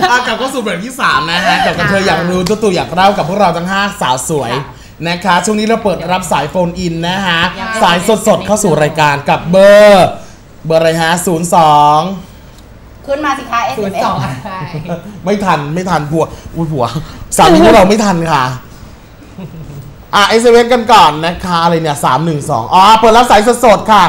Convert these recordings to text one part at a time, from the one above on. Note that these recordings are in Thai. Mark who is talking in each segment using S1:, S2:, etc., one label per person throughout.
S1: กลับเข้าสู่เบรกที่3นะฮะกับกระเทยอยากรู้ตัวอยากเล่ากับพวกเราทั้ง5สาวสวยนะคะช่วงนี้เราเปิดรับสายโฟนอินนะฮะสายสดๆเข้าสู่รายการกับเบอร์อะไรฮะ02
S2: ขึ้นมาสิคะ02
S1: ไม่ทันผัวสามีพวกเราไม่ทันค่ะSMS กันก่อนนะคะอะไรเนี่ย312เปิดรับสายสดๆค่ะ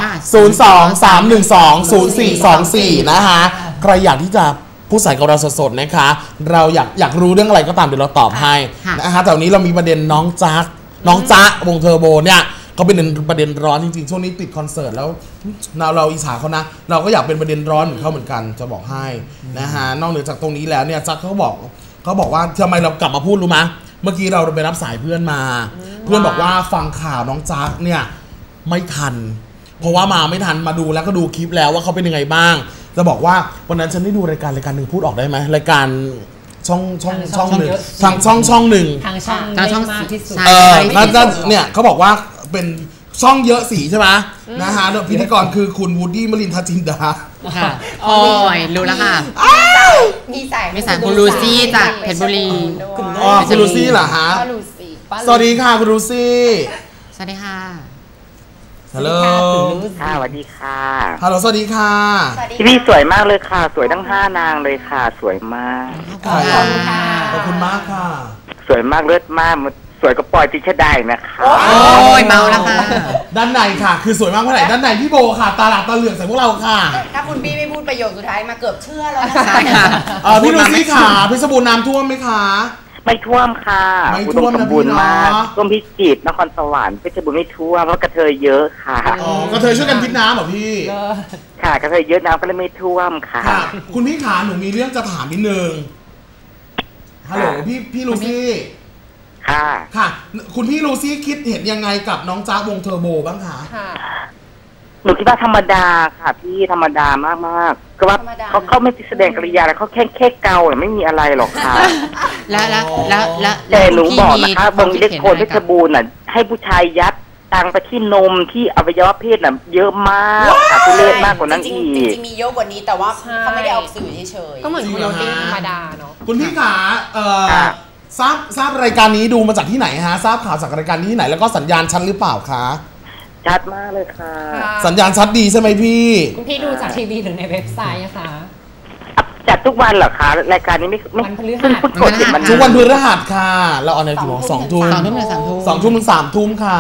S1: 02-312-0424นะคะใครอยากที่จะพูดสายกับเราสดๆนะคะเราอยากรู้เรื่องอะไรก็ตามเดี๋ยวเราตอบให้นะคะแต่วันนี้เรามีประเด็นน้องจ๊ะวงเทอร์โบเนี่ยก็เป็นประเด็นร้อนจริงๆช่วงนี้ติดคอนเสิร์ตแล้วเราอิจฉาเขานะเราก็อยากเป็นประเด็นร้อนเหมือนเขาเหมือนกันจะบอกให้นะฮะนอกเหนือจากตรงนี้แล้วเนี่ยจ๊ะเขาบอกว่าทำไมเรากลับมาพูดรู้มั้ยเมื่อกี้เราไปรับสายเพื่อนมาเพื่อนบอกว่าฟังข่าวน้องจ๊ะเนี่ยไม่ทันเพราะว่ามาไม่ทันมาดูแล้วก็ดูคลิปแล้วว่าเขาเป็นยังไงบ้างจะบอกว่าวันนั้นฉันได้ดูรายการหนึ่งพูดออกได้ไหมรายการช่องหนึ่งทางช่องหนึ่ง
S3: ทางช่องมากที่สุด
S1: เนี่ยเขาบอกว่าเป็นช่องเยอะสีใช่ไหมนะฮะพิธีกรคือคุณวูดดี้มลินทจินดา
S4: ค่ะโอ้ยรู้แล้วค่ะ
S2: มีสาย
S4: คุณลูซี่จากเพชรบุรี
S1: คุณลูซี่เหรอฮะสวัสดีค่ะคุณลูซี่
S4: สวัสดีค่ะ
S1: ฮัลโหล
S5: ค่ะสวัสดีค่ะ
S1: ฮัลโหลสวัสดีค่ะ
S5: พี่สวยมากเลยค่ะสวยทั้ง5นางเลยค่ะสวยมาก
S1: ขอบคุณมากค่ะ
S5: สวยมากเลิศมากสวยก็ปล่อยติชได้นะคะ
S4: โอ้ยเมาแล้วค่ะ
S1: ด้านในค่ะคือสวยมากเท่าไหร่ด้านในพี่โบค่ะตาหลับตาเหลือกใส่พวกเราค่ะ
S2: ถ้าคุณพี่ไม่พูดประโยคสุดท้ายมาเกือบเชื่อแล้วนะ
S4: ใช่ค่ะ
S1: พี่ลูซี่ค่ะเพชรบูรณ์น้ำท่วมไหมคะ
S5: ไม่ท่วมค่ะ
S1: ไม่ท่วมนะพี่เนาะ
S5: ท่วมพิจิตรนครสวรรค์เพชรบูรณ์ไม่ท่วมเพราะกระเทยเยอะค่ะ
S1: กระเทยช่วยกันพิจน้ำเหรอพี่
S5: ค่ะกระเทยเยอะน้ำก็เลยไม่ท่วมค่ะ
S1: คุณพี่ขาหนูมีเรื่องจะถามนิดนึงฮัลโหลพี่ลูซี่ค่ะคุณพี่ลูซี่คิดเห็นยังไงกับน้องจ๊ะวงเทอร์โบบ้างคะ
S5: หนูคิดว่าธรรมดาค่ะพี่ธรรมดามากๆก็ว่าเขาไม่แสดงกริยาอะไรเขาแค่เกาไม่มีอะไรหรอกค่ะ
S4: แล้ว
S5: แต่หนูบอกนะคะบางเด็กคนเพชรบูรณ์น่ะให้ผู้ชายยัดตังไปที่นมที่อวัยวะเพศน่ะเยอะมากค่ะทุเรศมากกว่านั้นอีก
S2: จริงมีเยอะกว่านี้แต่ว่าเขาไม่ได้ออกสื่อเฉย
S3: ก็เหมือนคุณโรตี้ธรรมดาเนาะ
S1: คุณพี่ขาทราบรายการนี้ดูมาจากที่ไหนฮะทราบข่าวจากรายการนี้ที่ไหนแล้วก็สัญญาณชัดหรือเปล่าคะ
S5: ชัดมากเลยค่ะ
S1: สัญญาณชัดดีใช่ไหมพี่
S3: คุณพี่ดูจากทีวีหรือในเว็บไซต์อะคะ
S5: จัดทุกวันเหรอคะรายการนี้ไม่
S3: วันพฤหัส
S1: ทุกวันพฤหัสค่ะเราออนในกี่โมง2 ทุ่ม
S4: 2 ทุ่มถึง 3 ทุ่ม
S1: 2 ทุ่มถึง 3 ทุ่มค่ะ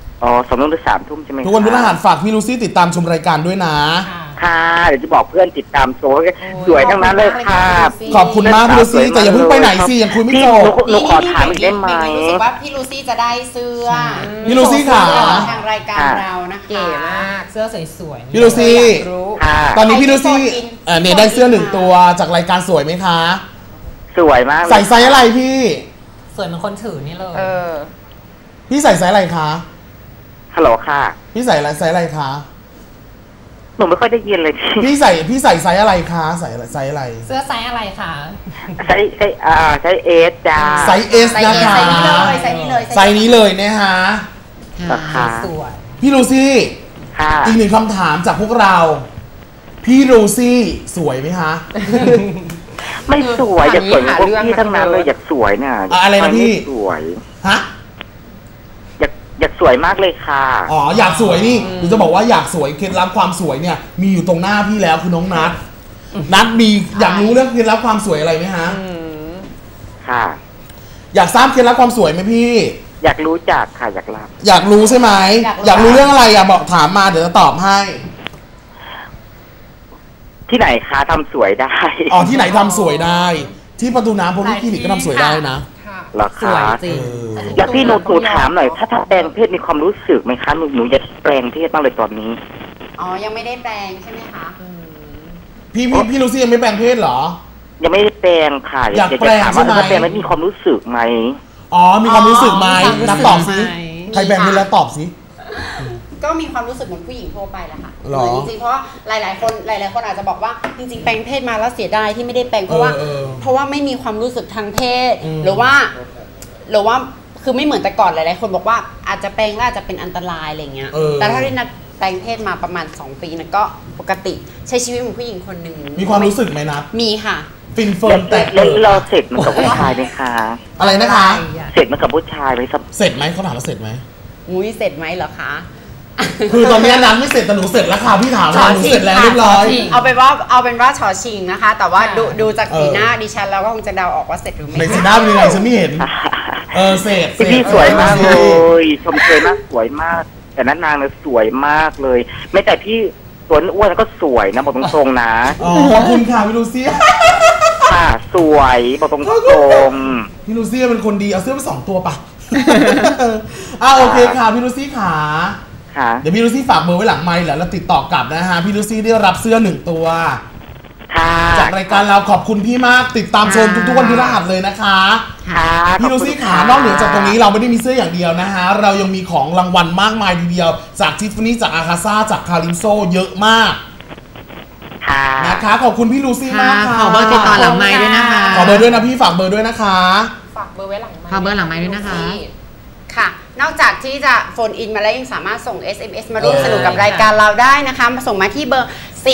S5: 2 ทุ่มถึง 3 ทุ่มใช่ไหม
S1: ทุกวันพฤหัสฝากพี่ลูซี่ติดตามชมรายการด้วยนะ
S5: ค่ะเดี๋ยวจะบอกเพื่อนติดตามโซ่สวยทั้งนั้นเลยค่ะ
S1: ขอบคุณมากพี่ลูซี่แต่อย่าเพิ่งไปไหนสิยังคุยไม่จบ
S5: หนูขอถามอีกได้ไหม
S2: รู้สึกว่าพี่ลูซี่จะได้เสื้อ
S1: พี่ลูซี่ค่ะ
S2: ทางรายการเรานะ
S3: เก๋มากเสื้อสวย
S1: ๆพี่ลูซี่ตอนนี้พี่ลูซี่เนี่ยได้เสื้อ1 ตัวจากรายการสวยไหมคะ
S5: สวยมาก
S1: ใส่ไซส์อะไรพี่
S3: สวยเหมือนคนถือนี่เลย
S1: พี่ใส่ไซส์อะไรคะ
S5: ฮัลโหลค่ะ
S1: พี่ใส่ไซส์อะไรคะ
S5: หนูไม่ค่อยได้ยินเลย
S1: พี่ใส่ไซส์อะไรคะใส่ไซส์อะไร
S3: เสื้อไซส์อะไรคะ
S5: ไซส์เอสจ้า
S1: ไซส์เอสนะคะ
S2: ไซส์นี้เลย
S1: ไซส์นี้เลยนะฮะ
S3: สวย
S1: พี่ลูซี่อีก1 คำถามจากพวกเราพี่ลูซี่สวยไหมคะ
S5: ไม่สวยอยากสวยพวกพี่ทั้งนั้นเลยอยากสวยน่ะ
S1: อะไรนะพี่
S5: สวย
S1: ฮะ
S5: อยากสวยมากเลยค่ะ
S1: อยากสวยนี่หนูจะบอกว่าอยากสวยเคล็ดลับความสวยเนี่ยมีอยู่ตรงหน้าพี่แล้วคือน้องนัทมีอยากรู้เรื่องเคล็ดลับความสวยอะไรไหมฮะ
S5: ค่ะ
S1: อยากทราบเคล็ดลับความสวยไหมพี่
S5: อยากรู้จักค่ะ
S1: อยากรู้ใช่ไหมอยากรู้เรื่องอะไรบอกถามมาเดี๋ยวจะตอบให้
S5: ที่ไหนคะทำสวยได้
S1: ที่ไหนทำสวยได้ที่ประตูน้ำพวกพี่คลินิกก็ทำสวยได้นะ
S5: หรอคะแล้วพี่หนูถามหน่อยถ้าแปลงเพศมีความรู้สึกไหมคะหนูอยากแปลงเพศมากเลยตอนนี้
S2: ยังไม่ได้แปลงใช่ไหมคะ
S1: พี่ลูซี่ยังไม่แปลงเพศเหรอ
S5: ยังไม่ได้แปลงค่ะ
S1: อยากแปลงใช่ไหม
S5: แปลงแล้วมีความรู้สึกไหม
S1: มีความรู้สึกไหมนับตอบสิใครแปลงเพศแล้วตอบสิ
S2: ก็มีความรู้สึกเหมือนผู้หญิงทั่วไปแหละค่ะจริงๆเพราะหลายๆคนอาจจะบอกว่าจริงๆแปลงเพศมาแล้วเสียดายที่ไม่ได้แปลงเพราะว่าไม่มีความรู้สึกทางเพศหรือว่าคือไม่เหมือนแต่ก่อนหลายๆคนบอกว่าอาจจะแปลงแล้วอาจจะเป็นอันตรายอะไรเงี้ยแต่ถ้าได้นัดแปลงเพศมาประมาณ2 ปีนะก็ปกติใช้ชีวิตเหมือนผู้หญิงคนหนึ่ง
S1: มีความรู้สึกไหมนัด
S2: มีค่ะ
S1: ฟินเฟิร์มแตก
S5: แล้วเราเสร็จมันกับผู้ชายไหมคะ
S1: อะไรนะคะ
S5: เสร็จมันกับผู้ชายไหมครับ
S1: เสร็จไหมเขาถามว่าเสร็จไหม
S2: อุ้ยเสร็จไหมเหรอคะ
S1: คือตอนนี้นางไม่เสร็จแต่หนูเสร็จแล้วค่ะพี่ถามว่าหนูเสร็จแล้วเรียบร้อย
S2: เอาเป็นว่าชอชิงนะคะ แต่ว่าดูจากสีหน้าดิฉันแล้วก็คงจะเดาออกว่าเสร็จหรือไม่
S1: ในสีหน้าเป็นยังไงฉันไม่เห็นเสร็จ
S5: พี่สวยมากเลยชมเชยมากสวยมาก แต่นั้นนางเนี่ยสวยมากเลยไม่แต่พี่ตัวอ้วนก็สวยนะบอกตรงๆนะ
S1: ขอบคุณค่ะพี่ลูซี่
S5: ค่ะสวยบอกตรงๆ
S1: พี่ลูซี่เป็นคนดีเอาเสื้อไป2 ตัวป่ะโอเคค่ะพี่ลูซี่ขาเดี๋ยวพี่ลูซี่ฝากเบอร์ไว้หลังไมค์แล้วติดต่อกลับนะฮะพี่ลูซี่ได้รับเสื้อ1 ตัวจากรายการเราขอบคุณพี่มากติดตามชมทุกๆวันพฤหัสเลยนะคะพี่ลูซี่ขานอกเหนือจากตรงนี้เราไม่ได้มีเสื้ออย่างเดียวนะฮะเรายังมีของรางวัลมากมายทีเดียวจากทิฟฟานี่จากอาคาซ่าจากคาริโซเยอะมากนะคะขอบคุณพี่ลูซี่มากค่ะ
S4: ขอเบอร์ติดต่อหลังไมค์ด้วยนะคะ
S1: ขอเบอร์ด้วยนะพี่ฝากเบอร์ด้วยนะคะ
S2: ฝากเบอร์ไว้หลังไมค์
S4: ขอเบอร์หลังไมค์ด้วยนะคะ
S2: ค่ะนอกจากที่จะโฟนอินมาแล้วยังสามารถส่ง SMS มาร่วมสนุกกับรายการเราได้นะคะมาส่งมาที่เบอร์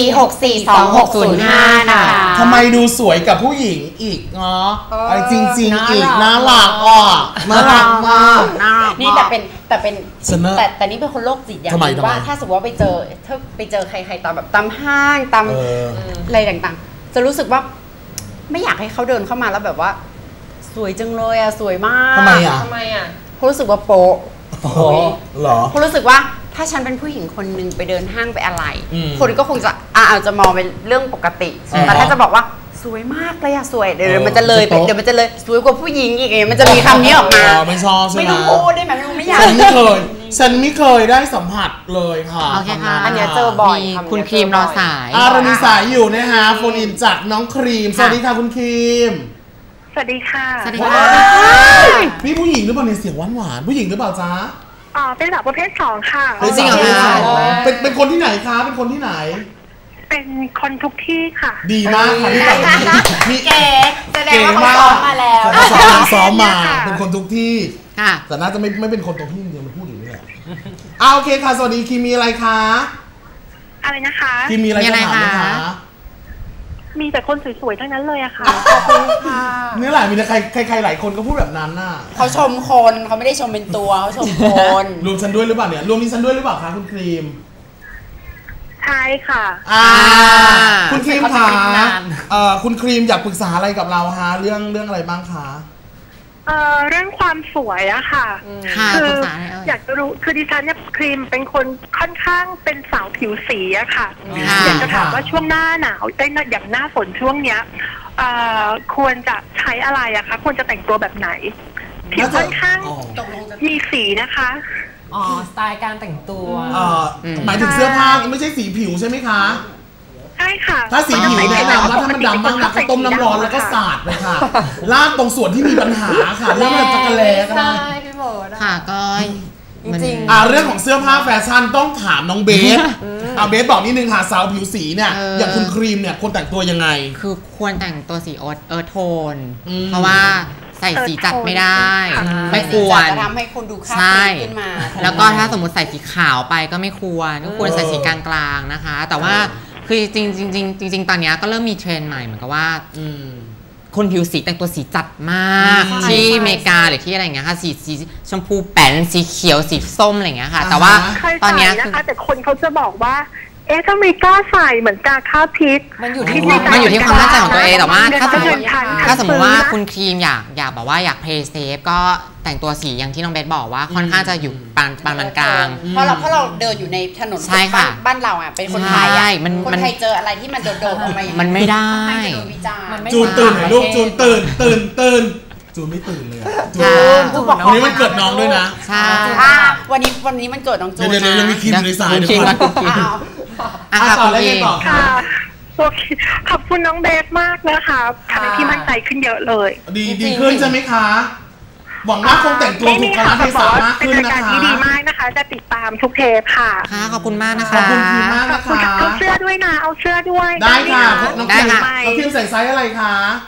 S2: 4642605นะคะ
S1: ทำไมดูสวยกับผู้หญิงอีกเนาะจริงๆอีกน่ารักน่ารักมาก
S2: นี่แต่นี่เป็นคนโรคจิตอย่างว่าถ้าสมมติว่าไปเจอใครๆตามแบบตามห้างตามอะไรต่างๆจะรู้สึกว่าไม่อยากให้เขาเดินเข้ามาแล้วแบบว่าสวยจังเลยอะสวยมาก
S1: ทำไมอะ
S2: รู้สึกว่าโป๊ะ
S1: หรอ
S2: รู้สึกว่าถ้าฉันเป็นผู้หญิงคนหนึ่งไปเดินห้างไปอะไรคนก็คงจะอาจจะมองเป็นเรื่องปกติแต่ถ้าจะบอกว่าสวยมากเลยอะสวยเดี๋ยวมันจะเลยไปเดี๋ยวมันจะเลยสวยกว่าผู้หญิงอีกมันจะมีคำนี้ออกมา
S1: ไม่ชอบใช่ไหม
S2: ไม่ต้องพูดได้ไหมไม่อยาก
S1: ฉันไม่เคยได้สัมผัสเลยค่ะ
S4: โอเคค่ะ
S2: อันนี้เจอบ่อย
S4: คุณครีมรอสาย
S1: เรามีสายอยู่นะฮะโฟนอินจากน้องครีมสวัสดีค่ะคุณครีม
S6: สวัสดีค่ะ
S4: สวัสดีค่ะ
S1: พี่ผู้หญิงหรือเปล่าเนี่ยเสียงหวานผู้หญิงหรือเปล่าจ๊ะ
S6: เป็นสาวประเภท2ค่ะ
S1: จริงเหรอคะเป็นคนที่ไหนคะเป็นคนที่ไหน
S6: เป็นคนทุกที่ค่ะ
S1: ดีมากค่ะที่แบบ
S2: มีเก๋แสดงว่าเขาซ้อมมาแล้ว
S1: ซ้อมมาเป็นคนทุกที่แต่น่าจะไม่เป็นคนตรงที่เดียวมันพูดอย่างนี้แหละโอเคค่ะสวัสดีคีมีอะไรคะ
S6: อะไรนะคะ
S1: คีมีอะไรจะถามไหมคะ
S6: มีแต่คนสวยๆทั้งนั้นเลยอะค่ะ
S2: ขอบคุณค่ะ
S1: นี่แหละมีแต่ใครหลายคนก็พูดแบบนั้นน่ะ
S2: เขาชมคนเขาไม่ได้ชมเป็นตัวเขาชมคน
S1: รวมฉันด้วยหรือเปล่าเนี่ยรวมนี่ฉันด้วยหรือเปล่าคะคุณครีม
S6: ใช่ค่ะ
S1: คุณครีมค่ะคุณครีมอยากปรึกษาอะไรกับเราฮะเรื่องอะไรบ้างคะ
S6: เรื่องความสวยอะค่ะคืออยากจะรู้คือดิฉันเนี่ยครีมเป็นคนค่อนข้างเป็นสาวผิวสีอะค่ะอยากจะถามว่าช่วงหน้าหนาวได้อย่างหน้าฝนช่วงเนี้ยควรจะใช้อะไรอะคะควรจะแต่งตัวแบบไหนผิวค่อนข้างมีสีนะคะ
S3: สไตล์การแต่งตัว
S1: หมายถึงเสื้อผ้าไม่ใช่สีผิวใช่ไหมคะ
S6: ใช่ค่ะ
S1: ถ้าสีผิวแนะนำว่าถ้ามันดำมากนะก็ต้มน้ำร้อนแล้วก็สาดเลยค่ะลาดตรงส่วนที่มีปัญหาค่ะเรื่องจักรแลก็ได้
S4: ค่ะก็
S2: จริง
S1: เรื่องของเสื้อผ้าแฟชั่นต้องถามน้องเบสเบสบอกนิดนึงค่ะสาวผิวสีเนี่ยอย่างคุณครีมเนี่ยควรแต่งตัวยังไง
S4: คือควรแต่งตัวสีโทนเพราะว่าใส่สีจัดไม่ได้ไม่ควร
S2: จะทำให้คนดูคลาสขึ้นมา
S4: แล้วก็ถ้าสมมติใส่สีขาวไปก็ไม่ควรก็ควรใส่สีกลางๆนะคะแต่ว่าคือจริงตอนนี้ก็เริ่มมีเทรนด์ใหม่เหมือนกับว่าคนผิวสีแต่งตัวสีจัดมากที่อเมริกาหรือที่อะไรอย่างเงี้ยค่ะสีชมพูแป้นสีเขียวสีส้มอะไรอย่างเงี้ยค่ะแต่ว่าตอนนี้
S6: นะคะแต่คนเขาจะบอกว่าถ้าไม่กล้าใส่เหมือนกาค่าพิษ
S4: มันอยู่ที่ความมั่นใจของตัวเองแต่ว่าถ้าสมมติว่าคุณครีมอยากบอกว่าอยากเพลย์เซฟก็แต่งตัวสีอย่างที่น้องเบสบอกว่าค่อนข้างจะอยู่ปานกลาง
S2: เพราะเราเดินอยู่ในถนนบ้านเราอ่ะเป็นคนไทยคนไทยเจออะไรที่มันโดดออกมา
S4: มันไม่ได้
S1: จูนตื่นหน่อยลูกจูนตื่นจูนไม่ตื่นเลยวันนี้มันเกิดน้องด้วยนะ
S4: ใช่
S2: วันนี้มันเกิดน้องจูน
S1: เดี๋ยวยังมีครีมในสาย
S6: ต่อเลยต่อค่ะโอเคขอบคุณน้องเบสมากนะคะทำให้พี่มั่นใจขึ้นเยอะเลย
S1: ดีขึ้นใช่ไหมคะหวังว่าคงแต่งตัวถูกกาลเทศะมากขึ้นนะคะเป็นรายการที่
S6: ดีมากนะคะจะติดตามทุกเทปค่ะ
S4: ขอบคุณมากนะคะ
S1: ขอบคุณมากนะคะ
S6: เอาเสื้อด้วยนะเอาเสื้อด้วย
S1: ได้ค่ะน้องครีมใส่ไซส์อะไรคะ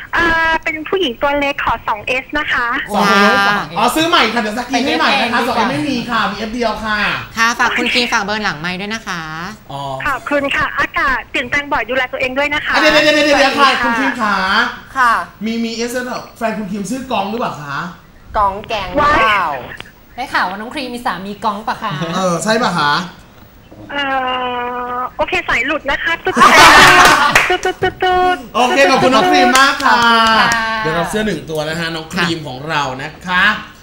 S6: เป็นผู้หญิงตัวเล็กขอ 2S นะคะ
S1: อ๋อซื้อใหม่ค่ะเดี๋ยวสกินให้ใหม่นะคะ2Sไม่มีค่ะมี F เดียวค่ะ
S4: ค่ะฝากคุณคีฝากเบอร์หลังไม้ด้วยนะคะ
S6: ขอบคุณค่ะอากาศเปลี่ยนแปลงบ่อยดูแลตัวเองด้วยนะคะ
S1: เดี๋ยวค่ะคุณคิมขา
S2: ค่ะ
S1: มีเอสแฟนคุณคิมชื่อกองหรือเปล่าคะ
S2: กองแกงว้าว
S3: ได้ข่าวว่าน้องครีมมีสามีกองปะคะ
S1: ใช่ปะคะ
S6: โอเคสายหลุดนะคะตุ๊ด
S1: โอเคขอบคุณน้องครีมมากค่ะเดี๋ยวเราเสื้อ1ตัวนะคะน้องครีมของเรานะคะ